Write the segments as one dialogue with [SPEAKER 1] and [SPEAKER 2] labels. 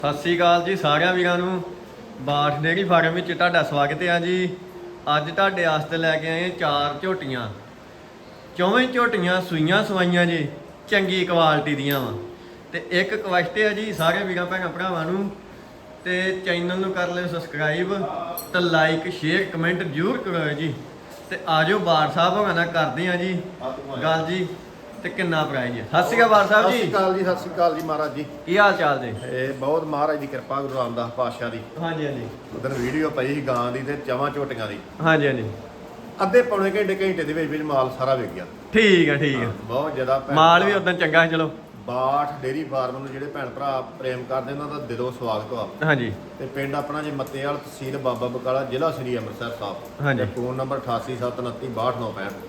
[SPEAKER 1] ਸਤਿ ਸ੍ਰੀ ਅਕਾਲ ਜੀ ਸਾਰਿਆਂ ਵੀਰਾਂ ਨੂੰ। ਬਾਠ ਡੇਅਰੀ ਫਾਰਮ ਵਿੱਚ ਤੁਹਾਡਾ ਸਵਾਗਤ ਹੈ ਜੀ। ਅੱਜ ਤੁਹਾਡੇ ਵਾਸਤੇ ਲੈ ਕੇ ਆਏ 4 ਝੋਟੀਆਂ। ਚੌਵੇਂ ਝੋਟੀਆਂ ਸੂਈਆਂ ਸਵਾਈਆਂ ਜੀ, ਚੰਗੀ ਕੁਆਲਿਟੀ ਦੀਆਂ ਵਾ। ਤੇ ਇੱਕ ਰਿਕੁਐਸਟ ਹੈ ਜੀ ਸਾਰੇ ਵੀਰਾਂ ਭੈਣਾਂ ਭਰਾਵਾਂ ਨੂੰ, ਤੇ ਚੈਨਲ ਨੂੰ ਕਰ ਲਿਓ ਸਬਸਕ੍ਰਾਈਬ ਤੇ ਲਾਈਕ ਸ਼ੇਅਰ ਕਮੈਂਟ ਜ਼ਰੂਰ ਕਰੋ ਜੀ। ਤੇ ਆਜੋ ਬਾਠ ਸਾਹਿਬ ਹੋਣਾ ਨਾਲ ਕਰਦੇ ਆ ਜੀ ਗੱਲ ਜੀ। ਤੇ ਕਿੰਨਾ ਪ੍ਰਾਈਜ਼ ਹੈ? ਸਤਿ ਸ਼੍ਰੀ ਅਕਾਲ ਬਾਠ ਸਾਹਿਬ ਜੀ।
[SPEAKER 2] ਸਤਿ ਸ਼੍ਰੀ ਅਕਾਲ ਜੀ, ਸਤਿ ਸ਼੍ਰੀ ਅਕਾਲ ਜੀ ਮਹਾਰਾਜ ਜੀ।
[SPEAKER 1] ਕੀ ਹਾਲ ਚਾਲ ਜੀ?
[SPEAKER 2] ਇਹ ਬਹੁਤ ਮਹਾਰਾਜ ਦੀ ਕਿਰਪਾ, ਗੁਰੂ ਰਾਮਦਾਸ ਪਾਤਸ਼ਾਹ ਦੀ।
[SPEAKER 1] ਹਾਂਜੀ ਹਾਂਜੀ
[SPEAKER 2] ਉਦੋਂ ਵੀਡੀਓ ਪਈ ਸੀ ਗਾਂ ਦੀ ਤੇ ਚਵਾਂ ਝੋਟੀਆਂ ਦੀ।
[SPEAKER 1] ਹਾਂਜੀ ਹਾਂਜੀ
[SPEAKER 2] ਅੱਧੇ ਪੌਣੇ ਘੰਟੇ ਦੇ ਵਿੱਚ ਮਾਲ ਸਾਰਾ ਵਿਕ ਗਿਆ।
[SPEAKER 1] ਠੀਕ ਹੈ ਠੀਕ ਹੈ।
[SPEAKER 2] ਬਹੁਤ ਜ਼ਿਆਦਾ
[SPEAKER 1] ਮਾਲ ਵੀ ਉਦੋਂ ਚੰਗਾ ਸੀ। ਚਲੋ
[SPEAKER 2] ਬਾਠ ਡੇਅਰੀ ਫਾਰਮ ਨੂੰ ਜਿਹੜੇ ਭੈਣ ਭਰਾ ਪ੍ਰੇਮ ਕਰਦੇ ਉਹਨਾਂ ਦਾ ਦਿਲੋਂ ਸਵਾਗਤ ਆ।
[SPEAKER 1] ਹਾਂਜੀ।
[SPEAKER 2] ਤੇ ਪਿੰਡ ਆਪਣਾ ਜੇ ਮੱਤੇਵਾਲ, ਤਹਿਸੀਲ ਬਾਬਾ ਬਕਾਲਾ, ਜ਼ਿਲ੍ਹਾ ਸ੍ਰੀ ਅੰਮ੍ਰਿਤਸਰ ਸਾਹਿਬ।
[SPEAKER 1] ਹਾਂਜੀ।
[SPEAKER 2] Phone number 8879262665।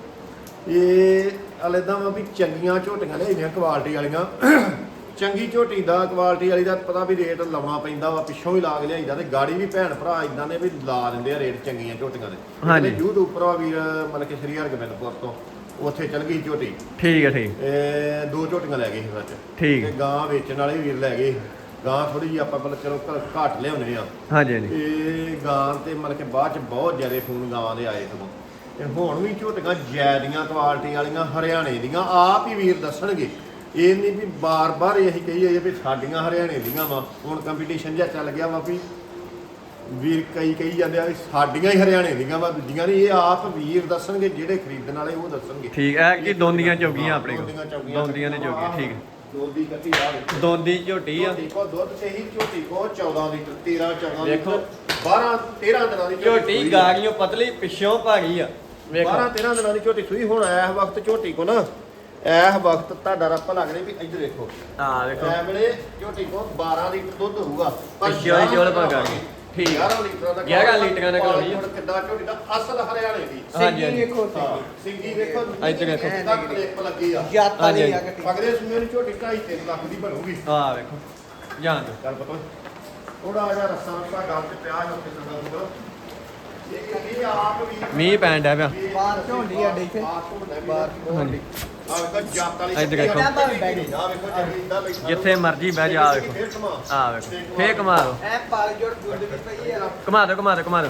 [SPEAKER 2] ਇਹ ਅਲੇਦਾ ਵਾ ਵੀ ਚੰਗੀਆਂ ਝੋਟੀਆਂ ਲਿਆਈਆਂ ਕੁਆਲਿਟੀ ਵਾਲੀਆਂ। ਚੰਗੀ ਝੋਟੀ ਦਾ ਕੁਆਲਿਟੀ ਵਾਲੀ ਦਾ ਪਤਾ ਵੀ ਰੇਟ ਲਾਉਣਾ ਪੈਂਦਾ ਵਾ, ਪਿੱਛੋਂ ਵੀ ਲਾ ਕੇ ਲਿਆਈਦਾ ਤੇ ਗਾੜੀ ਵੀ ਭੈਣ ਭਰਾ ਇਦਾਂ ਦੇ ਵੀ ਲਾ ਦਿੰਦੇ ਆ ਰੇਟ ਚੰਗੀਆਂ ਝੋਟੀਆਂ ਦੇ।
[SPEAKER 1] ਹਾਂਜੀ।
[SPEAKER 2] YouTube ਉੱਪਰ ਆ ਵੀਰ ਮਤਲਬ ਕਿ ਸ੍ਰੀ ਹਰਗੋਬਿੰਦਪੁਰ ਤੋਂ ਉੱਥੇ ਚਲ ਗਈ ਝੋਟੀ।
[SPEAKER 1] ਠੀਕ ਹੈ ਠੀਕ।
[SPEAKER 2] ਇਹ 2 ਝੋਟੀਆਂ ਲੈ ਗਏ ਸੀ ਸੱਚ।
[SPEAKER 1] ਠੀਕ।
[SPEAKER 2] ਤੇ ਗਾਂ ਵੇਚਣ ਵਾਲੇ ਵੀਰ ਲੈ ਗਏ। ਗਾਂ ਥੋੜੀ ਜਿਹੀ ਆਪਾਂ ਮਤਲਬ ਚਲੋ ਘੱਟ ਲਿਆਉਂਦੇ ਆ।
[SPEAKER 1] ਹਾਂਜੀ ਹਾਂਜੀ।
[SPEAKER 2] ਇਹ ਗਾਂ ਤੇ ਮਤਲਬ ਕਿ ਬਾਅਦ ਚ ਬਹੁਤ ਜ਼ਿਆਦਾ ਫੋਨ ਗਾਵਾਂ ਦੇ ਆਏ ਸਗੋਂ। ਤੇ ਹੁਣ ਵੀ ਝੋਟੀਆਂ ਜੈਦੀਆਂ ਕੁਆਲਿਟੀ ਵਾਲੀਆਂ ਹਰਿਆਣੇ ਦੀਆਂ ਆਪ ਹੀ ਵੀਰ ਦੱਸਣਗੇ। ਇਹ ਨਹੀਂ ਵੀ ਬਾਰ-ਬਾਰ ਇਹੀ ਕਹੀਏ ਵੀ ਸਾਡੀਆਂ ਹਰਿਆਣੇ ਦੀਆਂ ਵਾ। ਹੁਣ ਕੰਪੀਟੀਸ਼ਨ ਜਿਹਾ ਚੱਲ ਗਿਆ ਵਾ ਵੀ ਵੀਰ ਕਹੀ ਜਾਂਦੇ ਆ ਵੀ ਸਾਡੀਆਂ ਹੀ ਹਰਿਆਣੇ ਦੀਆਂ ਵਾ, ਦੂਜੀਆਂ ਨਹੀਂ। ਇਹ ਆਪ ਵੀਰ ਦੱਸਣਗੇ, ਜਿਹੜੇ ਖਰੀਦਣ ਵਾਲੇ ਉਹ ਦੱਸਣਗੇ।
[SPEAKER 1] ਠੀਕ ਹੈ ਕਿ ਦੋਂਦੀਆਂ ਚੌਗੀਆਂ ਆਪਣੇ ਕੋਲ?
[SPEAKER 2] ਦੋਂਦੀਆਂ
[SPEAKER 1] ਦੋਂਦੀਆਂ ਨੇ ਚੌਗੀਆਂ। ਠੀਕ ਹੈ।
[SPEAKER 2] ਦੋਂਦੀ ਕੱਟੀ ਆ ਵੇਖੋ।
[SPEAKER 1] ਦੋਂਦੀ ਝੋਟੀ ਆ।
[SPEAKER 2] ਦੇਖੋ ਦੁੱਧ ਤੇ ਹੀ ਝੋਟੀ ਕੋ 14 ਲੀਟਰ 13-14
[SPEAKER 1] ਵੇਖੋ।
[SPEAKER 2] ਲੀਟਰ 12-13 ਦਿਨਾਂ ਦੀ
[SPEAKER 1] ਝੋਟੀ ਗਾੜੀਆਂ ਪਤਲੀ, ਪਿੱਛੋਂ ਭਾਰੀ ਆ। ਵੇਖੋ
[SPEAKER 2] 12-13 ਦਿਨਾਂ ਦੀ ਝੋਟੀ ਸੂਈ। ਹੁਣ ਇਸ ਵਕਤ ਝੋਟੀ ਕੋ ਨਾ ਇਸ ਵਕਤ ਤੁਹਾਡਾ ਰੱਪ ਲੱਗਣੇ ਵੀ ਇੱਧਰ ਦੇਖੋ।
[SPEAKER 1] ਹਾਂ ਵੇਖੋ
[SPEAKER 2] ਐ ਵੇਲੇ ਝੋਟੀ ਕੋ 12 ਲੀਟਰ ਦੁੱਧ ਹੋਊਗਾ।
[SPEAKER 1] ਪਿੱਛੋਂ ਹੀ ਚੋਲ ਪਾ ਗਾੜੀ। ਠੀਕ ਹੈ।
[SPEAKER 2] 11 ਲੀਟਰਾਂ ਦਾ
[SPEAKER 1] 11 ਲੀਟਰਾਂ ਦਾ ਘੋੜੀ ਆ।
[SPEAKER 2] ਹੁਣ ਕਿੱਦਾਂ ਝੋਟੀ ਦਾ ਅਸਲ ਹਰਿਆਣੇ ਦੀ।
[SPEAKER 1] ਹਾਂਜੀ ਹਾਂਜੀ।
[SPEAKER 2] ਵੇਖੋ ਸਿੰਗੀ ਵੇਖੋ।
[SPEAKER 1] ਇੱਧਰ ਦੇਖੋ।
[SPEAKER 2] ਤੱਕ ਕਲਿੱਪ ਲੱਗੀ ਆ।
[SPEAKER 1] ਹਾਂਜੀ ਹਾਂਜੀ।
[SPEAKER 2] ਅਗਲੇ ਸੂਏ ਨੂੰ ਝੋਟੀ 2.5-3 ਲੱਖ ਦੀ ਬਣੂਗੀ।
[SPEAKER 1] ਹਾਂ ਵੇਖੋ ਜਾਣ ਦੋ।
[SPEAKER 2] ਚੱਲ ਪਤਾ ਥੋੜਾ ਜਿਹਾ ਰੱਸਾ ਗੱਲ ਤੇ ਪਿਆ ਹੋ ਕੇ ਸੰਗਲ ਇਹ ਆਪ ਵੀ
[SPEAKER 1] ਮੀਂਹ ਪੈਣ ਡਿਆ ਪਿਆ।
[SPEAKER 3] ਬਾਹਰ ਝੋਂਡੀ ਆ ਦੇਖੇ
[SPEAKER 2] ਬਾਹਰ
[SPEAKER 1] ਹਾਂਜੀ।
[SPEAKER 2] ਆ ਵੇਖੋ ਜੱਤ ਵਾਲੀ
[SPEAKER 1] ਇੱਧਰ ਦੇਖੋ।
[SPEAKER 2] ਆ ਵੇਖੋ ਜੱਗੀ ਇਦਾਂ ਬੈਠਾ
[SPEAKER 1] ਜਿੱਥੇ ਮਰਜੀ ਬਹਿ ਜਾ। ਆ ਵੇਖੋ ਆ ਵੇਖੋ। ਫੇਰ ਘੁਮਾ ਦੋ
[SPEAKER 3] ਐ ਪਾਲ ਜੋੜ ਦੁੱਧ ਵੀ ਪਈ ਆ।
[SPEAKER 1] ਘੁਮਾ ਦੋ ਘੁਮਾ ਦੋ ਘੁਮਾ ਦੋ।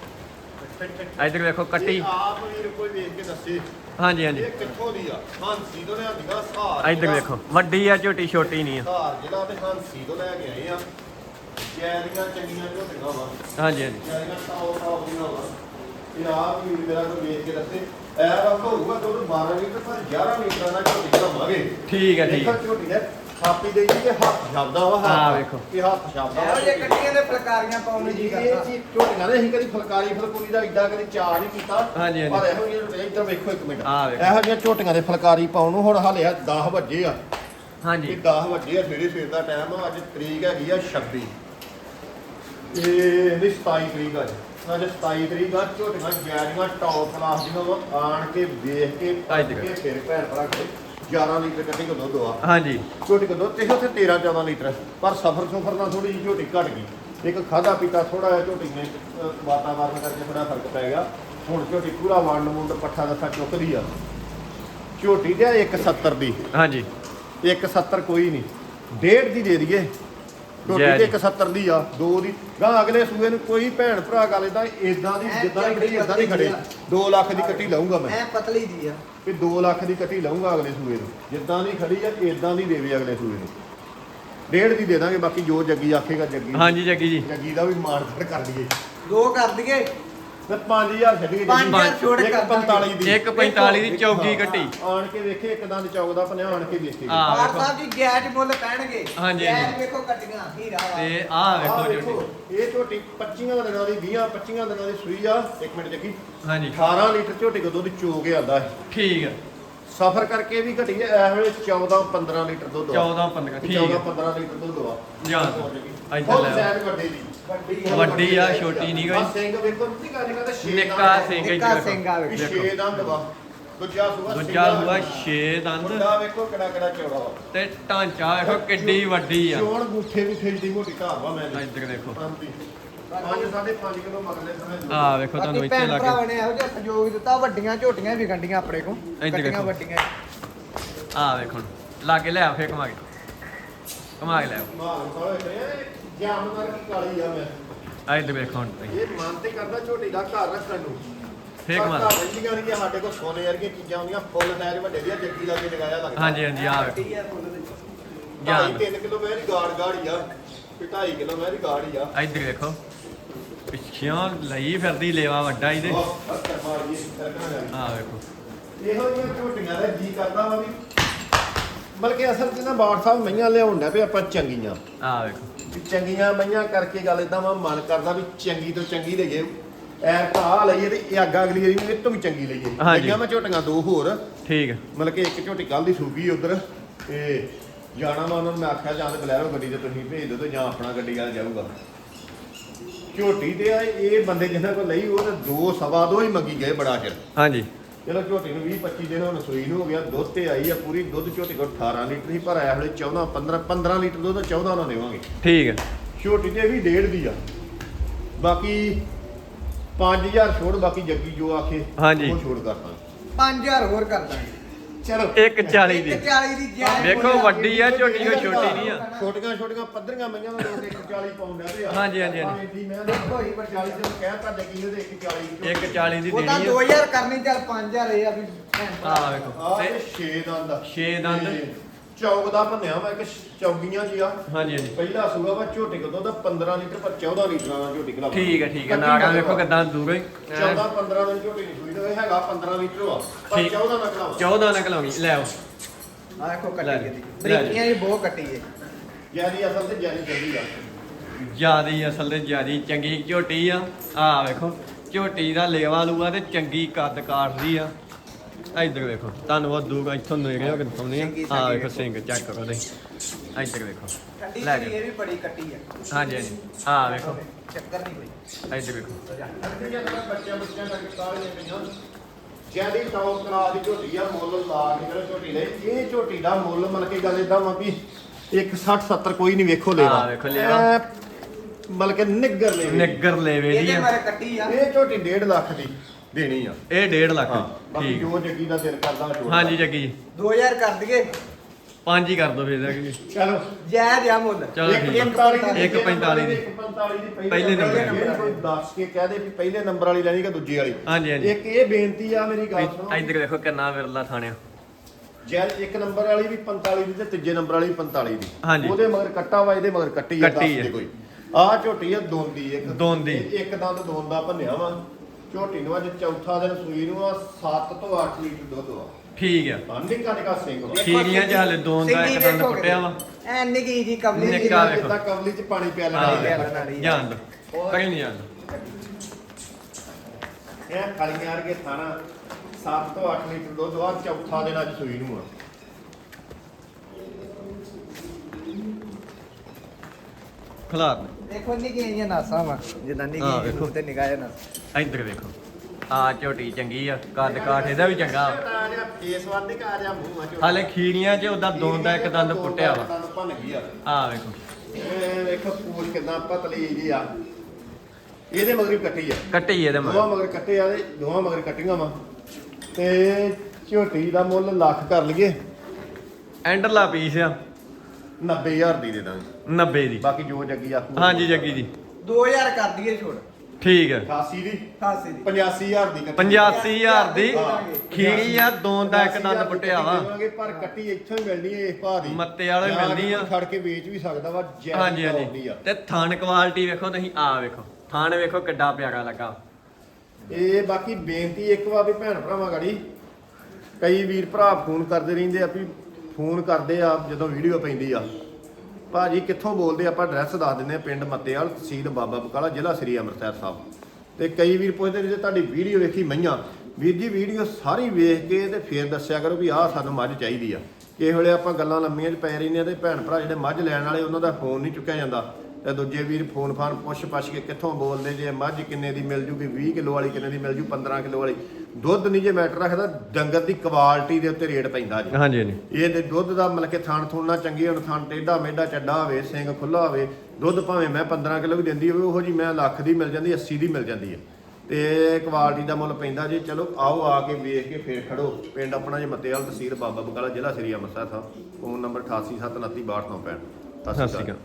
[SPEAKER 1] ਇੱਧਰ ਵੇਖੋ ਕੱਟੀ।
[SPEAKER 2] ਆਪ ਵੀਰ ਕੋਈ ਵੇਖ ਕੇ ਦੱਸੇ
[SPEAKER 1] ਹਾਂਜੀ ਹਾਂਜੀ।
[SPEAKER 2] ਇਹ ਕਿੱਥੋਂ ਦੀ ਆ? ਹਾਂਸੀ ਤੋਂ ਲਿਆਂਦੀਆਂ ਸਾਰ।
[SPEAKER 1] ਇੱਧਰ ਵੇਖੋ ਵੱਡੀ ਆ ਝੋਟੀ, ਛੋਟੀ ਨਹੀਂ ਆ।
[SPEAKER 2] ਸਾਰ ਜ਼ਿਲ੍ਹਾ ਤੇ ਹਾਂਸੀ ਤੋਂ ਲੈ ਕੇ ਆਏ ਆ। ਜੈਦੀਆਂ ਚੰਗੀਆਂ ਝੋਟੀਆਂ ਵਾ।
[SPEAKER 1] ਹਾਂਜੀ ਹਾਂਜੀ।
[SPEAKER 2] ਜੈਦੀਆਂ ਟੌਪ ਦੀਆਂ ਵਾ। ਇਹ ਆਪ ਵੀਰ ਮੇਰਾ ਕੋਈ ਵੇਖ ਕੇ ਦੱਸੇ। ਐ ਵਕਤ ਹੋਊਗਾ ਦੁੱਧ 12 ਲੀਟਰ ਪਰ 11 ਲੀਟਰ ਦਾ ਝੋਟੀ ਬਣਾਵਾਂਗੇ।
[SPEAKER 1] ਠੀਕ ਹੈ ਠੀਕ ਹੈ।
[SPEAKER 2] ਝੋਟੀ ਨੇ ਥਾਪੀ ਦੇਈ ਕਿ ਹੱਥ ਛਾਪਦਾ ਵਾ।
[SPEAKER 1] ਹਾਂ ਵੇਖੋ।
[SPEAKER 2] ਕਿ ਹੱਥ ਛਾਪਦਾ ਵਾ।
[SPEAKER 3] ਇਹੋ ਜਿਹੇ ਕੱਟੀਆਂ ਦੇ ਫਲਕਾਰੀਆਂ ਪਾਉਣ ਨੂੰ ਜੀ
[SPEAKER 2] ਇਹ
[SPEAKER 3] ਕਰਦਾ।
[SPEAKER 2] ਚੀਜ਼ ਝੋਟੀਆਂ ਦੇ ਅਸੀਂ ਕਦੀ ਫੁਲਕਾਰੀ ਫੁਲਕੂਰੀ ਦਾ ਏਡਾ ਕਦੀ ਚਾਅ ਨਹੀਂ ਕੀਤਾ।
[SPEAKER 1] ਹਾਂਜੀ ਹਾਂਜੀ।
[SPEAKER 2] ਪਰ ਇਹੋ ਜਿਹੇ ਇੱਧਰ ਵੇਖੋ ਇੱਕ ਮਿੰਟ।
[SPEAKER 1] ਹਾਂ ਵੇਖੋ।
[SPEAKER 2] ਇਹੋ ਜਿਹੀਆਂ ਝੋਟੀਆਂ ਦੇ ਫੁਲਕਾਰੀ ਪਾਉਣ ਨੂੰ ਹੁਣ ਹਾਲੇ 10 ਵਜੇ ਆ।
[SPEAKER 1] ਹਾਂਜੀ।
[SPEAKER 2] ਇਹ 10 ਵਜੇ ਆ, ਸਵੇਰ ਦਾ ਟਾਈਮ ਆ। ਅੱਜ ਤਰੀਕ ਹੈਗੀ ਆ 26। ਇਹ ਨਹੀਂ 27 ਤਰੀਕ ਅੱਜ 27 ਤਰੀਕ ਆ। ਝੋਟੀਆਂ ਜੈਦੀਆਂ ਟੌਪ ਕਲਾਸ ਦੀਆਂ ਵਾ। ਆਣ ਕੇ ਵੇਖ ਕੇ
[SPEAKER 1] ਅੱਜ
[SPEAKER 2] ਕੇ ਫਿਰ ਭੈਣ ਭਰਾ ਕੇ 11 ਲੀਟਰ ਕੱਢੀ ਕੋ ਦੁੱਧ ਆ।
[SPEAKER 1] ਹਾਂਜੀ।
[SPEAKER 2] ਝੋਟੀ ਕੋ ਦੁੱਧ ਤੇ ਉੱਥੇ 13-14 ਲੀਟਰ। ਪਰ ਸਫਰ ਸੁਫਰ ਨਾਲ ਥੋੜੀ ਜਿਹੀ ਝੋਟੀ ਘਟ ਗਈ। ਇੱਕ ਖਾਦਾ ਪੀਤਾ ਥੋੜਾ ਜਿਹਾ ਝੋਟੀ ਨੇ ਵਾਤਾਵਰਨ ਕਰਕੇ ਥੋੜਾ ਫਰਕ ਪੈ ਗਿਆ। ਹੁਣ ਝੋਟੀ ਪੂਰਾ ਵੰਡ ਮੁੰਡ ਪੱਠਾ ਦੱਸਾ ਚੁੱਕਦੀ ਆ। ਝੋਟੀ ਦੇ 170 ਦੀ।
[SPEAKER 1] ਹਾਂਜੀ।
[SPEAKER 2] 170 ਕੋਈ ਨਹੀਂ, 1.5 ਦੀ ਦੇ ਦਈਏ। ਝੋਟੀ ਦੇ 170 ਦੀ ਆ। 2 ਦੀ ਗਾਂ ਅਗਲੇ ਸੂਏ ਨੂੰ ਕੋਈ ਭੈਣ ਭਰਾ ਗੱਲ ਇਦਾਂ ਦੀ ਜਿੱਦਾਂ ਦੀ ਖੜੀ ਇਦਾਂ ਦੀ ਖੜੇ 2 ਲੱਖ ਦੀ ਕੱਟੀ ਲਾਉਂਗਾ ਮੈਂ।
[SPEAKER 3] ਐ ਪਤਲੀ ਦੀ ਆ।
[SPEAKER 2] ਵੀ 2 ਲੱਖ ਦੀ ਕੱਟੀ ਲਾਉਂਗਾ ਅਗਲੇ ਸੂਏ ਨੂੰ। ਜਿੱਦਾਂ ਦੀ ਖੜੀ ਆ ਇਦਾਂ ਦੀ ਦੇਵੇ ਅਗਲੇ ਸੂਏ ਨੂੰ। 1.5 ਦੀ ਦੇ ਦਾਂਗੇ। ਬਾਕੀ ਜੋ ਜੱਗੀ ਆਖੇਗਾ ਜੱਗੀ।
[SPEAKER 1] ਹਾਂਜੀ ਜੱਗੀ ਜੀ।
[SPEAKER 2] ਜੱਗੀ ਦਾ ਵੀ ਮਾਰਕਟ ਕਰ ਦਈਏ।
[SPEAKER 3] 2 ਕਰ ਦਈਏ।
[SPEAKER 2] ਤੇ 5000 ਛੱਡੀਏ।
[SPEAKER 3] 5000 ਛੋੜ ਕਰ
[SPEAKER 2] 145 ਦੀ।
[SPEAKER 1] 145 ਦੀ ਚੌਗੀ ਕੱਟੀ।
[SPEAKER 2] ਆਣ ਕੇ ਵੇਖੇ ਇੱਕ ਦੰਦ ਚੌਕਦਾ ਪਨਿਆ ਆਣ ਕੇ ਵੇਖੇ।
[SPEAKER 1] ਆ
[SPEAKER 3] ਬਾਰ
[SPEAKER 1] ਵੇਖੋ।
[SPEAKER 3] ਸਾਹਿਬ ਜੀ ਗੈਜ ਮੁੱਲ ਪੈਣਗੇ।
[SPEAKER 1] ਹਾਂਜੀ,
[SPEAKER 3] ਗੈਜ
[SPEAKER 1] ਹਾਂਜੀ।
[SPEAKER 3] ਵੇਖੋ ਕੱਟੀਆਂ ਹੀਰਾ ਵਾ।
[SPEAKER 1] ਤੇ ਆਹ ਵੇਖੋ ਝੋਟੀ।
[SPEAKER 2] ਇਹ ਝੋਟੀ 25 ਦਿਨਾਂ ਦੀ 20-25 ਦਿਨਾਂ ਦੀ ਸੂਈ ਆ। ਇੱਕ ਮਿੰਟ ਜੱਗੀ।
[SPEAKER 1] ਹਾਂਜੀ
[SPEAKER 2] 18 ਲੀਟਰ ਝੋਟੀ ਕੋ ਦੁੱਧ ਚੋ ਕੇ ਆਂਦਾ ਹੈ।
[SPEAKER 1] ਠੀਕ ਹੈ।
[SPEAKER 2] ਸਫਰ ਕਰਕੇ ਵੀ ਘਟੀ ਹੈ। ਇਸ ਵੇਲੇ 14-15 ਲੀਟਰ ਦੁੱਧ
[SPEAKER 1] 14-15 ਠੀਕ ਹੈ।
[SPEAKER 2] 14-15 ਲੀਟਰ ਦੁੱਧ ਆ।
[SPEAKER 1] ਜਾਣ ਇੱਧਰ ਲੈ ਆਓ।
[SPEAKER 2] ਵੱਡੇ ਦੀ
[SPEAKER 1] ਵੱਡੀ ਆ, ਛੋਟੀ ਨਹੀਂ
[SPEAKER 2] ਆ
[SPEAKER 1] ਕੋਈ।
[SPEAKER 2] ਸਿੰਘ ਵੇਖੋ ਨਿੱਕਾ ਨਿੱਕਾ ਤੇ 6
[SPEAKER 1] ਨਿੱਕਾ ਸਿੰਘ
[SPEAKER 3] ਨਿੱਕਾ
[SPEAKER 1] ਇੱਧਰ
[SPEAKER 3] ਸਿੰਘ ਆ
[SPEAKER 2] ਵੀ
[SPEAKER 3] ਵੇਖੋ।
[SPEAKER 2] 6 ਦੰਦ ਵਾ। ਦੂਜਾ
[SPEAKER 1] ਦੂਜਾ ਸੂਆ 6 ਦੰਦ
[SPEAKER 2] ਮੁੰਡਾ ਵੇਖੋ ਕਿਹੜਾ ਕਿਹੜਾ ਚੌੜਾ ਵਾ।
[SPEAKER 1] ਤੇ ਢਾਂਚਾ ਵੇਖੋ ਕਿੱਡੀ ਵੱਡੀ ਆ।
[SPEAKER 2] ਚੋਣ ਗੁੱਠੇ ਵੀ ਖੇਡਦੀ ਮੋਟੀ ਘਾਹ ਵਾ ਮੈਂ।
[SPEAKER 1] ਇੱਧਰ ਦੇਖੋ।
[SPEAKER 2] 5-5.5 ਕਿਲੋ ਮਗਲੇ ਸਮੇਂ।
[SPEAKER 1] ਆ ਵੇਖੋ ਤੁਹਾਨੂੰ
[SPEAKER 3] ਬਾਕੀ
[SPEAKER 1] ਇੱਥੇ
[SPEAKER 3] ਭੈਣ
[SPEAKER 1] ਲੱਗ
[SPEAKER 3] ਭਰਾਵਾਂ ਨੇ ਇਹੋ ਜਿਹਾ ਸਹਿਯੋਗ ਦਿੱਤਾ। ਵੱਡੀਆਂ ਝੋਟੀਆਂ ਵੀ ਗੰਡੀਆਂ ਆਪਣੇ ਕੋਲ।
[SPEAKER 1] ਇੱਧਰ
[SPEAKER 3] ਕੱਟੀਆਂ
[SPEAKER 1] ਦੇਖੋ।
[SPEAKER 3] ਵੱਡੀਆਂ।
[SPEAKER 1] ਆ ਵੇਖੋ ਲਾ ਕੇ ਲੈ ਆ ਫੇਰ ਘੁਮਾ ਕੇ ਲੈ ਆਓ।
[SPEAKER 2] ਮਾਲ ਸਾਲੇ ਤੇ ਜਾਮਦਾਰ ਕੀ ਕਾਲੀ ਆ ਮੈਂ
[SPEAKER 1] ਇੱਧਰ ਵੇਖੋ ਹੁਣ ਤੁਸੀਂ।
[SPEAKER 2] ਇਹ ਮਨ ਤੇ ਕਰਦਾ ਝੋਟੀ ਦਾ ਘਰ ਰੱਖਣ ਨੂੰ
[SPEAKER 1] ਫੇਕ
[SPEAKER 2] ਪਰ
[SPEAKER 1] ਮਾਰ।
[SPEAKER 2] ਘਰ ਰਹਿੰਦੀਆਂ ਨਹੀਂ ਸਾਡੇ ਕੋਲ ਸੋਨੇ ਵਰਗੀਆਂ ਚੀਜ਼ਾਂ ਹੁੰਦੀਆਂ ਫੁੱਲ ਟਾਇਰ ਵੱਡੇ ਦੀਆਂ ਜੱਗੀ ਲਾ ਕੇ ਲਗਾਇਆ ਲੱਗਦਾ
[SPEAKER 1] ਹਾਂਜੀ ਹਾਂਜੀ ਆ ਵੇਖੋ
[SPEAKER 2] ਜਾਨ
[SPEAKER 1] ਜਾਨ
[SPEAKER 2] 3 ਕਿਲੋ ਮੈਂ ਦੀ ਗਾੜ ਹੀ ਆ ਤੇ 2.5 ਕਿਲੋ ਮੈਂ ਦੀ ਗਾੜ ਹੀ ਆ
[SPEAKER 1] ਇੱਧਰ ਵੇਖੋ ਪਿੱਛਿਓਂ ਲਈ ਫਿਰਦੀ ਲੇਵਾ ਵੱਡਾ ਇਹਦੇ
[SPEAKER 2] ਉਹ ਹੱਥ ਮਾਰ ਗਈ ਸਰਕਣਾ ਜਾ
[SPEAKER 1] ਆ ਵੇਖੋ
[SPEAKER 2] ਇਹੋ ਜਿਹੀਆਂ ਝੋਟੀਆਂ ਦਾ ਜੀ ਕਰਦਾ ਵਾ ਵੀ ਬਲਕਿ ਅਸਲ 'ਚ ਨਾ ਬਾੜ ਸਾਹਿਬ ਮਈਆਂ ਲਿਆਉਣ ਦਾ ਵੀ ਆਪਾਂ ਚੰਗੀਆਂ
[SPEAKER 1] ਆ ਵੇਖੋ
[SPEAKER 2] ਵੀ ਚੰਗੀਆਂ ਮਈਆਂ ਕਰਕੇ ਗੱਲ ਇਦਾਂ ਵਾ ਮਨ ਕਰਦਾ ਵੀ ਚੰਗੀ ਤੋਂ ਚੰਗੀ ਲਈਏ ਐ ਭਾ ਲਈਏ ਤੇ ਇਹ ਅੱਗਾ ਅਗਲੀ ਵਾਰੀ ਨੂੰ ਇਹ ਤੋਂ ਵੀ ਚੰਗੀ ਲਈਏ
[SPEAKER 1] ਹਾਂਜੀ।
[SPEAKER 2] ਲਈਆਂ ਮੈਂ ਝੋਟੀਆਂ ਦੋ ਹੋਰ
[SPEAKER 1] ਠੀਕ ਹੈ
[SPEAKER 2] ਮਤਲਬ ਕਿ ਇੱਕ ਝੋਟੀ ਕੱਲ ਦੀ ਸੂਗੀ ਉਧਰ ਤੇ ਜਾਣਾ ਮੈਂ ਉਹਨਾਂ ਨੂੰ ਮੈਂ ਆਖਿਆ ਜਾਂ ਤੇ ਬਲੈਰੋ ਗੱਡੀ ਤੇ ਤੁਸੀਂ ਭੇਜ ਦਿਓ ਤੇ ਜਾਂ ਆਪਣਾ ਗੱਡੀ ਵਾਲਾ ਜਾਊਗਾ ਝੋਟੀ ਤੇ ਇਹ ਬੰਦੇ ਜਿਹਨਾਂ ਕੋਲ ਲਈ ਉਹ ਤੇ 2 ਹੀ ਮੰਗੀ ਗਏ ਬੜਾ ਚਿਰ
[SPEAKER 1] ਹਾਂਜੀ
[SPEAKER 2] ਚਲੋ ਝੋਟੀ ਨੂੰ 20-25 ਦਿਨ ਹੁਣ ਸੂਈ ਨੂੰ ਹੋ ਗਿਆ ਦੁੱਧ ਤੇ ਆਈ ਆ ਪੂਰੀ ਦੁੱਧ ਝੋਟੀ ਕੋਲ 18 ਲੀਟਰ ਹੀ ਪਰ ਆਇਆ ਹਲੇ 15 ਲੀਟਰ ਦੁੱਧ 14 ਨਾ ਦੇਵਾਂਗੇ
[SPEAKER 1] ਠੀਕ ਹੈ
[SPEAKER 2] ਝੋਟੀ ਤੇ ਵੀ 1.5 ਦੀ ਆ ਬਾਕੀ 5000 ਛੋੜ ਬਾਕੀ ਜੱਗੀ ਜੋ ਆਖੇ
[SPEAKER 1] ਹਾਂਜੀ।
[SPEAKER 2] ਉਹ ਛੋੜ ਕਰਦਾ
[SPEAKER 3] 5000 ਹੋਰ ਕਰ ਦਾਂਗੇ
[SPEAKER 2] ਚਲੋ
[SPEAKER 1] 140 ਦੀ
[SPEAKER 3] 140 ਦੀ ਜੈ
[SPEAKER 1] ਵੇਖੋ ਵੱਡੀ ਆ ਝੋਟੀ ਕੋਈ ਛੋਟੀ ਨਹੀਂ ਆ
[SPEAKER 2] ਛੋਟੀਆਂ ਪੱਧਰੀਆਂ ਮਈਆਂ ਨੂੰ ਲੋਕ 140 ਪਾਉਂਦੇ ਆ
[SPEAKER 1] ਹਾਂਜੀ, ਹਾਂਜੀ, ਹਾਂਜੀ।
[SPEAKER 2] ਮੈਂ ਦੇਖੋ ਹੀ 40 ਤੇ ਕਹਿ ਤਾਂ ਜੱਗੀ ਉਹਦੇ 140
[SPEAKER 1] 140 ਦੀ
[SPEAKER 3] ਉਹ ਤਾਂ
[SPEAKER 1] ਦੇਣੀ ਆ
[SPEAKER 3] 2000 ਕਰਨੀ ਚੱਲ 5000 ਇਹ ਆ ਵੀ
[SPEAKER 1] ਆ ਵੇਖੋ
[SPEAKER 2] ਆ
[SPEAKER 1] ਤੇ
[SPEAKER 2] 6 ਦੰਦ
[SPEAKER 1] 6 ਦੰਦ
[SPEAKER 2] ਤੇ ਚੌਕ ਦਾ ਭੰਨਿਆ ਵਾ ਇੱਕ ਚੌਗੀਆਂ ਜੀ ਆ
[SPEAKER 1] ਹਾਂਜੀ ਹਾਂਜੀ
[SPEAKER 2] ਪਹਿਲਾ ਸੂਆ ਵਾ ਝੋਟੀ ਕੋਲ ਦਾ 15 ਲੀਟਰ ਪਰ 14 ਲੀਟਰਾਂ ਦਾ ਝੋਟੀ ਖਲਾ
[SPEAKER 1] ਠੀਕ ਹੈ ਨਾੜਾ ਵੇਖੋ ਕਿਦਾਂ ਦੂਰੋਂ ਹੀ
[SPEAKER 2] 14-15 ਦਿਨ ਝੋਟੀ ਨਹੀਂ ਸੂਈ ਦਾ ਹੈਗਾ 15 ਲੀਟਰ ਆ ਪਰ
[SPEAKER 1] ਠੀਕ।
[SPEAKER 2] 14 ਨਾ ਖਲਾਵਾ
[SPEAKER 1] 14 ਨਾ ਕਲਾਉਣੀ ਲੈ ਆਓ
[SPEAKER 3] ਆ ਦੇਖੋ
[SPEAKER 1] ਲੈ
[SPEAKER 3] ਕੱਟੀ
[SPEAKER 1] ਜੀ।
[SPEAKER 3] ਦੀ ਬਰੀਕੀਆਂ ਵੀ ਬਹੁਤ ਕੱਟੀ ਹੈ
[SPEAKER 2] ਜਿਆਦੀ ਅਸਲ ਤੇ ਜਿਆਦੀ ਜਲਦੀ ਆ
[SPEAKER 1] ਜਿਆਦੀ ਅਸਲ ਤੇ ਜਿਆਦੀ ਚੰਗੀ ਝੋਟੀ ਆ ਆ ਵੇਖੋ ਝੋਟੀ ਦਾ ਲੇਵਾ ਲੂਆ ਤੇ ਚੰਗੀ ਕੱਦ ਕਾਟਦੀ ਆ ਇੱਧਰ ਵੇਖੋ ਤੁਹਾਨੂੰ ਉਹ ਦੂਰ ਇੱਥੋਂ ਨੇੜੇ ਹੋ ਕੇ ਦਿਖਾਉਂਦੇ
[SPEAKER 3] ਚੰਗੀ
[SPEAKER 1] ਆ ਆ
[SPEAKER 3] ਸਾਡੀ
[SPEAKER 1] ਵੇਖੋ
[SPEAKER 3] ਵੇਖੋ।
[SPEAKER 1] ਸਿੰਘ ਚੈੱਕ ਕਰੋ ਦੇ ਇੱਧਰ ਵੇਖੋ
[SPEAKER 3] ਕੱਟੀ
[SPEAKER 1] ਲੈ
[SPEAKER 3] ਦੀ
[SPEAKER 1] ਜਾਓ।
[SPEAKER 3] ਇਹ ਵੀ ਬੜੀ ਕੱਟੀ ਹੈ
[SPEAKER 1] ਹਾਂਜੀ ਹਾਂਜੀ ਆ ਵੇਖੋ
[SPEAKER 3] ਚੱਕਰ ਨਹੀਂ ਕੋਈ
[SPEAKER 1] ਇੱਧਰ ਵੇਖੋ
[SPEAKER 2] ਅੱਗੇ ਜਦੋਂ ਬੱਚਿਆਂ ਦਾ ਕਾਲੀਆਂ ਪਈਆਂ ਜਿਆਦੀ ਟੌਪ ਕਰਾ ਦੀ ਝੋਟੀ ਆ ਮੁੱਲ ਲਾ ਕੇ ਜਿਹੜਾ ਝੋਟੀ ਲੈ ਇਹ ਝੋਟੀ ਦਾ ਮੁੱਲ ਮਤਲਬ ਕਿ ਗੱਲ ਇਦਾਂ ਵਾ ਵੀ 160-70 ਕੋਈ ਨਹੀਂ ਵੇਖੋ ਲੈਵਾ
[SPEAKER 1] ਹਾਂ, ਵੇਖੋ ਲੇਵਾ।
[SPEAKER 2] ਮਤਲਬ ਕਿ ਨਿੱਗਰ ਲੈਵੇ
[SPEAKER 1] ਨਿੱਗਰ ਲੇਵੇ ਦੀ
[SPEAKER 3] ਇਹਦੇ
[SPEAKER 1] ਆ
[SPEAKER 3] ਬਾਰੇ ਕੱਟੀ ਆ
[SPEAKER 2] ਇਹ ਝੋਟੀ 1.5 ਲੱਖ ਦੀ ਦੇਣੀ ਆ
[SPEAKER 1] ਇਹ 1.5 ਲੱਖ
[SPEAKER 2] ਹਾਂ ਬਾਕੀ
[SPEAKER 1] ਠੀਕ
[SPEAKER 2] ਜੋ ਜੱਗੀ ਦਾ ਦਿਲ ਕਰਦਾ ਛੋੜ
[SPEAKER 1] ਹਾਂਜੀ ਜੱਗੀ ਜੀ
[SPEAKER 3] 2000 ਕਰ ਦਈਏ
[SPEAKER 1] 5 ਹੀ ਕਰ ਦੋ ਫੇਰ ਜੱਗੀ
[SPEAKER 2] ਚਲੋ
[SPEAKER 3] ਜਾਇਜ਼ ਆ ਮੁੱਲ
[SPEAKER 1] ਚਲੋ ਠੀਕ ਹੈ।
[SPEAKER 2] 145
[SPEAKER 1] ਦੀ।
[SPEAKER 2] 145 ਦੀ
[SPEAKER 1] ਪਹਿਲੇ ਨੰਬਰ
[SPEAKER 2] ਜਿਹੜੀ ਕੋਈ ਦੱਸ ਕੇ ਕਹਦੇ ਵੀ ਪਹਿਲੇ ਨੰਬਰ ਵਾਲੀ ਲੈਣੀ ਕਿ ਦੂਜੀ ਵਾਲੀ
[SPEAKER 1] ਹਾਂਜੀ ਹਾਂਜੀ
[SPEAKER 2] ਇੱਕ ਇਹ ਬੇਨਤੀ ਆ ਮੇਰੀ ਗੱਲ ਸੁਣੋ
[SPEAKER 1] ਇੱਧਰ ਵੇਖੋ ਕਿੰਨਾ ਵਿਰਲਾ ਥਾਣਿਆ
[SPEAKER 2] ਜੈਲ ਇੱਕ ਨੰਬਰ ਵਾਲੀ ਵੀ 45 ਦੀ ਤੇ ਤੀਜੇ ਨੰਬਰ ਵਾਲੀ ਵੀ 45 ਦੀ
[SPEAKER 1] ਹਾਂਜੀ।
[SPEAKER 2] ਉਹਦੇ ਮਗਰ ਕੱਟਾ ਵਾ ਇਹਦੇ ਮਗਰ ਕੱਟੀ ਆ
[SPEAKER 1] ਕੱਟੀ
[SPEAKER 2] ਦੱਸ ਦੇ
[SPEAKER 1] ਆ।
[SPEAKER 2] ਕੋਈ ਆਹ ਝੋਟੀ ਆ ਦੋਂਦੀ ਇੱਕ
[SPEAKER 1] ਦੋਂਦੀ।
[SPEAKER 2] ਇੱਕ ਦੰਦ ਦੋਨ ਦਾ ਭੰਨਿਆ ਵਾ ਝੋਟੀ ਨੂੰ ਅੱਜ ਚੌਥਾ ਦਿਨ ਸੂਈ ਨੂੰ ਆ 7 ਤੋਂ 8 ਲੀਟਰ ਦੁੱਧ ਆ
[SPEAKER 1] ਠੀਕ ਆ
[SPEAKER 2] ਨਿੱਕਾ ਨਿੱਕਾ ਸਿੰਘ ਵਾ
[SPEAKER 1] ਖੀਰੀਆਂ ਚ ਹਲੇ ਦੋਨ ਦਾ ਇੱਕ ਦੰਦ ਪੁੱਟਿਆ ਵਾ
[SPEAKER 3] ਐ ਨਿੱਕੀ ਜੀ ਕਮਲੀ ਜੀ
[SPEAKER 1] ਨਿੱਕਾ ਵੇਖੋ।
[SPEAKER 2] ਜਿੱਦਾਂ ਕਵਲੀ ਚ ਪਾਣੀ ਪਿਆ
[SPEAKER 1] ਹਾਂ
[SPEAKER 2] ਲੈਣਾ
[SPEAKER 1] ਜਾਣ ਦੋ ਕਰੀ ਨਹੀਂ ਜਾਣ ਦੋ
[SPEAKER 2] ਇਹ ਖਲੀਆਂ ਵਰਗੇ ਥਾਣਾ 7 ਤੋਂ 8 ਲੀਟਰ ਦੁੱਧ ਆ ਚੌਥਾ ਦਿਨ ਅੱਜ ਸੂਈ ਨੂੰ ਆ
[SPEAKER 1] ਖਲਾਰ
[SPEAKER 3] ਦੇਖੋ ਨਿੱਕੀਆਂ ਜੀਆਂ ਨਾਸਾਂ ਵਾ ਜਿੱਦਾਂ
[SPEAKER 1] ਹਾਂ,
[SPEAKER 3] ਨਿੱਕੀ
[SPEAKER 1] ਵੇਖੋ।
[SPEAKER 3] ਜੀ ਤੇ ਨਿਗਾਹ ਨਾ
[SPEAKER 1] ਇੱਧਰ ਵੇਖੋ ਆ ਝੋਟੀ ਚੰਗੀ ਆ ਕੱਦ ਕਾਠ ਇਹਦਾ ਵੀ ਚੰਗਾ
[SPEAKER 2] ਆ ਜਾ ਫੇਸ ਵੱਧ ਕੇ ਆ ਜਾ ਮੂੰਹ ਆ ਝੋਟੀ
[SPEAKER 1] ਹਲੇ ਖੀਰੀਆਂ 'ਚ ਉਹਦਾ ਦੋਨ ਦਾ ਇੱਕ ਦੰਦ ਪੁੱਟਿਆ ਵਾ
[SPEAKER 2] ਦੰਦ ਭੰਨ ਗਈ ਆ
[SPEAKER 1] ਆ ਵੇਖੋ
[SPEAKER 2] ਇਹ ਵੇਖੋ ਪੂਛ ਕਿੰਨਾ ਪਤਲੀ ਜੀ ਆ ਇਹਦੇ ਮਗਰ ਵੀ ਕੱਟੀ ਆ
[SPEAKER 1] ਕੱਟੀ ਇਹਦੇ
[SPEAKER 2] ਦੋਵਾਂ
[SPEAKER 1] ਮਗਰ
[SPEAKER 2] ਮਗਰ ਕੱਟੇ ਆ ਤੇ ਦੋਵਾਂ ਮਗਰ ਕੱਟੀਆਂ ਵਾ ਤੇ ਝੋਟੀ ਦਾ ਮੁੱਲ ਲੱਖ ਕਰ ਲਈਏ
[SPEAKER 1] ਐਂਡਰਲਾ ਪੀਸ ਆ
[SPEAKER 2] 90000 ਦੀ ਦੇ ਦਾਂਗੇ
[SPEAKER 1] 90 ਦੀ
[SPEAKER 2] ਬਾਕੀ ਜੋ ਜੱਗੀ ਆਖੂ
[SPEAKER 1] ਹਾਂਜੀ ਜੱਗੀ ਜੀ
[SPEAKER 3] 2000 ਕਰ ਦਈਏ ਛੋੜ
[SPEAKER 1] ਠੀਕ ਹੈ
[SPEAKER 2] 88 ਦੀ
[SPEAKER 3] ਖਾਸੀ ਦੀ
[SPEAKER 2] 85000 ਦੀ ਕੱਟੀ
[SPEAKER 1] 85000 ਦੀ
[SPEAKER 2] ਹਾਂ।
[SPEAKER 1] ਖੀਰੀ ਆ ਦੋਨ ਦਾ ਇੱਕ ਦੰਦ ਪੁੱਟਿਆ ਵਾ
[SPEAKER 2] ਦੇਵਾਂਗੇ ਪਰ ਕੱਟੀ ਇੱਥੋਂ ਹੀ ਮਿਲਣੀ ਏ ਇਸ ਭਾਅ ਦੀ
[SPEAKER 1] ਮੱਤੇ ਵਾਲੇ
[SPEAKER 2] ਜਾਂ
[SPEAKER 1] ਮਿਲਦੀ ਆ।
[SPEAKER 2] ਖੜ ਕੇ ਵੇਚ ਵੀ ਸਕਦਾ ਵਾ ਜੈ
[SPEAKER 1] ਹਾਂਜੀ ਹਾਂਜੀ ਤੇ ਥਣ ਕੁਆਲਿਟੀ ਵੇਖੋ ਤੁਸੀਂ ਆ ਵੇਖੋ ਥਣ ਵੇਖੋ ਕਿੱਡਾ ਪਿਆਰਾ ਲੱਗਾ
[SPEAKER 2] ਇਹ ਬਾਕੀ ਬੇਨਤੀ ਇੱਕ ਵਾਰ ਵੀ ਭੈਣ ਭਰਾਵਾਂ ਗਾੜੀ ਕਈ ਵੀਰ ਭਰਾ ਫੋਨ ਕਰਦੇ ਰਹਿੰਦੇ ਆ ਵੀ ਫੋਨ ਕਰਦੇ ਆ ਜਦੋਂ ਵੀਡੀਓ ਪੈਂਦੀ ਆ ਭਾਜੀ ਕਿੱਥੋਂ ਬੋਲਦੇ ਆਪਾਂ ਐਡਰੈਸ ਦੱਸ ਦਿੰਦੇ ਆ ਪਿੰਡ ਮੱਤੇਵਾਲ ਤਹਿਸੀਲ ਬਾਬਾ ਬਕਾਲਾ ਜ਼ਿਲ੍ਹਾ ਸ੍ਰੀ ਅੰਮ੍ਰਿਤਸਰ ਸਾਹਿਬ ਤੇ ਕਈ ਵੀਰ ਪੁੱਛਦੇ ਨੇ ਜੇ ਤੁਹਾਡੀ ਵੀਡੀਓ ਵੇਖੀ ਮਈਆਂ ਵੀਰ ਜੀ ਵੀਡੀਓ ਸਾਰੀ ਵੇਖ ਕੇ ਤੇ ਫੇਰ ਦੱਸਿਆ ਕਰੋ ਵੀ ਆਹ ਸਾਨੂੰ ਮੱਝ ਚਾਹੀਦੀ ਆ ਕਿਸੇ ਵੇਲੇ ਆਪਾਂ ਗੱਲਾਂ ਲੰਮੀਆਂ 'ਚ ਪੈ ਰਹਿੰਦੇ ਆ ਤੇ ਭੈਣ ਭਰਾ ਜਿਹੜੇ ਮੱਝ ਲੈਣ ਵਾਲੇ ਉਹਨਾਂ ਦਾ ਫੋਨ ਨਹੀਂ ਚੁੱਕਿਆ ਜਾਂਦਾ ਤੇ ਦੂਜੇ ਵੀਰ ਫੋਨ ਫਾਨ ਪੁੱਛ ਕੇ ਕਿੱਥੋਂ ਬੋਲਦੇ ਜੇ ਮੱਝ ਕਿੰਨੇ ਦੀ ਮਿਲ ਜੂਗੀ 20 ਕਿਲੋ ਵਾਲੀ ਕਿੰਨੇ ਦੀ ਮਿਲ ਜੂ 15 ਕਿਲੋ ਵਾਲੀ ਦੁੱਧ ਨਹੀਂ ਜੇ ਮੈਟਰ ਰੱਖਦਾ ਡੰਗਰ ਦੀ ਕੁਆਲਿਟੀ ਦੇ ਉੱਤੇ ਰੇਟ ਪੈਂਦਾ ਜੀ
[SPEAKER 1] ਹਾਂਜੀ ਹਾਂਜੀ
[SPEAKER 2] ਇਹ ਤੇ ਦੁੱਧ ਦਾ ਮਤਲਬ ਕਿ ਥਣ ਥੁਣਾ ਚੰਗੀ ਹੁਣ ਥਣ ਟੇਢਾ ਮੇਢਾ ਚੱਡਾ ਹੋਵੇ ਸਿੰਘ ਖੁੱਲਾ ਹੋਵੇ ਦੁੱਧ ਭਾਵੇਂ ਮੈਂ 15 ਕਿਲੋ ਵੀ ਦਿੰਦੀ ਹੋਵੇ ਉਹੋ ਜੀ ਮੈਂ ਲੱਖ ਦੀ ਮਿਲ ਜਾਂਦੀ 80 ਦੀ ਮਿਲ ਜਾਂਦੀ ਹੈ ਤੇ ਕੁਆਲਿਟੀ ਦਾ ਮੁੱਲ ਪੈਂਦਾ ਜੀ ਚਲੋ ਆਓ ਆ ਕੇ ਵੇਖ ਕੇ ਫੇਰ ਖੜੋ ਪਿੰਡ ਆਪਣਾ ਜੀ ਮੱਤੇਵਾਲ ਤਹਿਸੀਲ ਬਾਬਾ ਬਕਾਲਾ ਜ਼ਿਲ੍ਹਾ ਸ੍ਰੀ ਅੰਮ੍ਰਿਤਸਰ ਸਾਹਿਬ ਫੋਨ ਨੰਬਰ 8879326265
[SPEAKER 1] ਸਤਿ ਸ਼੍ਰੀ ਅਕਾਲ